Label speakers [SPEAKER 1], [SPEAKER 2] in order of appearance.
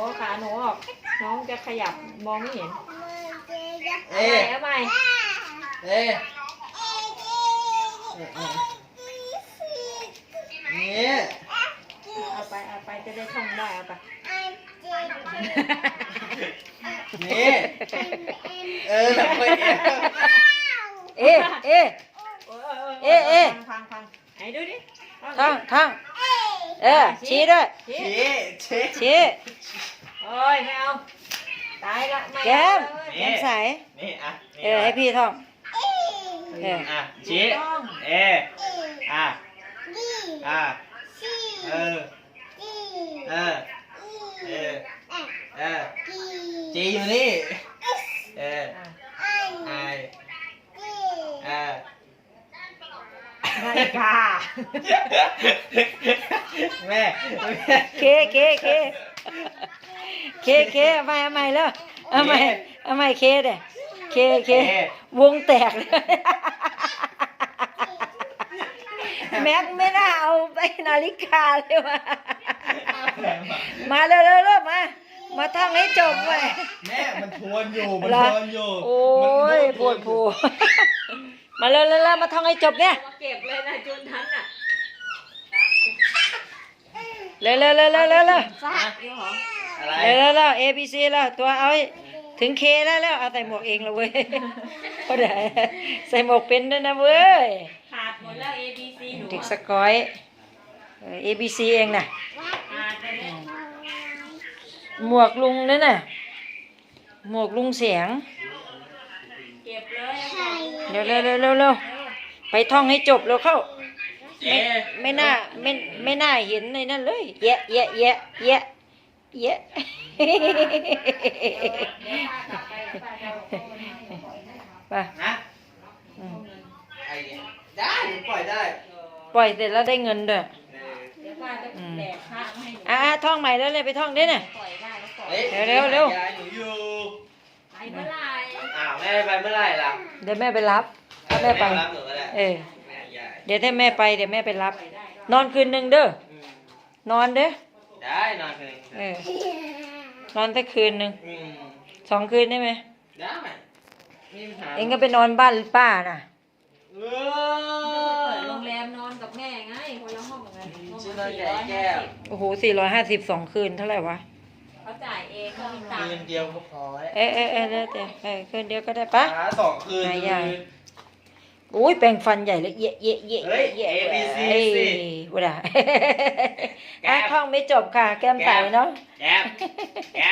[SPEAKER 1] ขาหนูออกน้องจะขยับมองไม่เห็นเอาใหม่
[SPEAKER 2] นี่
[SPEAKER 1] เอาไปจะได้ท่องได้เอาไป
[SPEAKER 2] นี่ไป
[SPEAKER 1] ฟังไหนดูดิ
[SPEAKER 3] ท่องชี้ด้วยชี้
[SPEAKER 1] โอ้ยไม่เอาตายละไม่
[SPEAKER 3] แก้มใส
[SPEAKER 2] นี่อ่ะ
[SPEAKER 3] ให้พี่ท่อง
[SPEAKER 2] ชี้จีอยู่นี่
[SPEAKER 1] นาฬิกา
[SPEAKER 2] แม่
[SPEAKER 3] เคเอาใหม่แล้วเอาใหม่เคเด้เควงแตกเลยแม็กไม่น่าเอาไปนาฬิกาเลยว่ะมาเร็วมาท่องให้จบเลย
[SPEAKER 2] แม่มันทวนอยู่
[SPEAKER 3] โอ้ยปวดผูมาเร็วมาท่องให้จบเนี่ย
[SPEAKER 1] เก็บเลยนะจุนทันอ่ะ
[SPEAKER 3] เร็ว
[SPEAKER 1] ฟาดเดี๋ยวเหรอ
[SPEAKER 3] เร็ว A B C แล้วตัวเอาถึง K แล้วเอาใส่หมวกเองแล้วเว้ยก็ได้ใส่หมวกเป็นด้วยนะเว้ย
[SPEAKER 1] ขาดหมดแล้ว A B C หนู
[SPEAKER 3] เด็กสกอย A B C เองน่ะ
[SPEAKER 1] ขาดไปเลย
[SPEAKER 3] หมวกลุงนั่นน่ะหมวกลุงเสียง
[SPEAKER 1] เก็บเลย
[SPEAKER 3] เร็วไปท่องให้จบแล้วเข้าไม่น่าเห็นในนั่นเลยแยะไป
[SPEAKER 2] นะได้ปล่อยได้
[SPEAKER 3] ปล่อยเสร็จแล้วได้เงินด้วย
[SPEAKER 1] เดี๋ยวป้าจะแดกข้าวให้
[SPEAKER 3] ท่องใหม่แล้วเลยไปท่องได้น่ะ
[SPEAKER 1] ปล่อยได้แล้วปล่อย
[SPEAKER 3] เร็ว
[SPEAKER 2] หนูอยู่
[SPEAKER 1] ไปเมื่อไหร่
[SPEAKER 2] แม่ไปเมื่อไหร่ล่ะ
[SPEAKER 3] เดี๋ยวแม่ไปรับถ้าแม่ไปเดี๋ยวถ้าแม่ไปเดี๋ยวแม่ไปรับนอนคืนนึงเด้อนอนเด้อ
[SPEAKER 2] ได้นอนคืน
[SPEAKER 3] นอนสักคืนนึง2 คืนได้ไหม
[SPEAKER 2] ได้
[SPEAKER 3] เองก็ไปนอนบ้านป้าน่ะ
[SPEAKER 1] เปิดโรงแรมนอนกับแม่ไงคนละห้องกัน
[SPEAKER 3] โอ้โห450 2 คืนเท่าไหร่วะ
[SPEAKER 1] เขาจ่ายเองเขามีตังค์
[SPEAKER 2] คืนเดียวก็พอ
[SPEAKER 3] คืนเดียวก็ได้ปะ
[SPEAKER 2] 2 คืน
[SPEAKER 3] โอ้ยแปรงฟันใหญ่เลย
[SPEAKER 2] ABC
[SPEAKER 3] ว่าท่องไม่จบค่ะแก้มใสเนาะ